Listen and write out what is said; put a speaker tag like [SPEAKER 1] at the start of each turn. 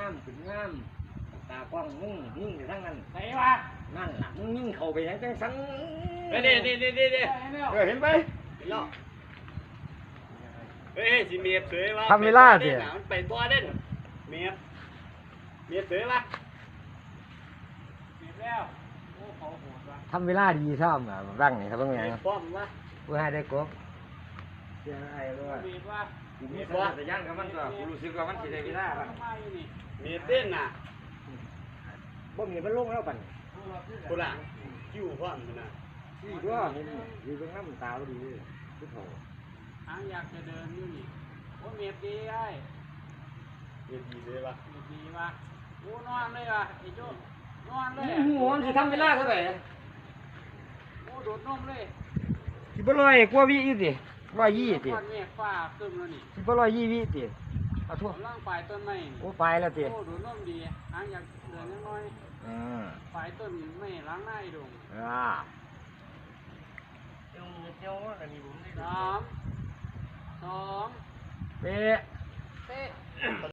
[SPEAKER 1] ามขึ้นงามตากว้างมึงยิ่งไปทั้งนั้น
[SPEAKER 2] ไหนวะ
[SPEAKER 1] นั่นล่ะมึงยิ่งเข้าไปยังจังสัน
[SPEAKER 3] นี่
[SPEAKER 1] เห็นไหม
[SPEAKER 3] เฮ้ยสิเมียเสยวะ
[SPEAKER 4] ทำเวลาสิ
[SPEAKER 3] มันไปตัวเด่นเมียเสยวะ
[SPEAKER 2] เก็บแล้วโอ้เขาโหดวะ
[SPEAKER 4] ทำเวลาดีชอบอ่ะบ้างนี่ครับเพิ่งไง
[SPEAKER 3] ป้อมวะ
[SPEAKER 4] เพื่อให้ได้กบ
[SPEAKER 1] เสียไอ้ด้วย
[SPEAKER 2] เบียดวะ
[SPEAKER 1] กูมีสัญชาตญาณกับมันก็กูรู้สึกว่ามันสิได้เวลาบัด
[SPEAKER 2] มาอยู่นี่
[SPEAKER 3] เมียเต้นน่ะ
[SPEAKER 1] บ่มีมันลงแล้วบัด
[SPEAKER 3] กูล่ะคิวพร้อมนะ
[SPEAKER 1] ที่ตัวเห็นอยู่ตรงนั้นตาบ่ดีคือเขา
[SPEAKER 2] หางอยากจะเดินอยู่นี่โอ้เมียดีไอ้
[SPEAKER 3] เมียดีเลยวะ
[SPEAKER 2] เมียดีวะโอ้นอนเลยวะไอ้โจ้นอนเลย
[SPEAKER 1] หัวมันสิทำเวลาเท่าไหร่
[SPEAKER 2] โอ้โดดนมเลย
[SPEAKER 4] สิบร้อยกว่าวิอยู่สิ120ติ
[SPEAKER 2] ก้อนเมฆฟ้าขึ้นแล้วนี่
[SPEAKER 4] สิบ120วิติเอาทั่ว
[SPEAKER 2] กำลังปลายต้นไม้นี่
[SPEAKER 4] โอ้ไปแล้วติ
[SPEAKER 2] โอ้โดดนมดีหางอยากเดินยังน้อย
[SPEAKER 4] อืม
[SPEAKER 2] ปลายต้นไม้ล้างหน้าไอ้ดง
[SPEAKER 1] เจ้าอันนี้ผมได้
[SPEAKER 2] 3 2
[SPEAKER 4] เป๊ะ
[SPEAKER 2] เตะ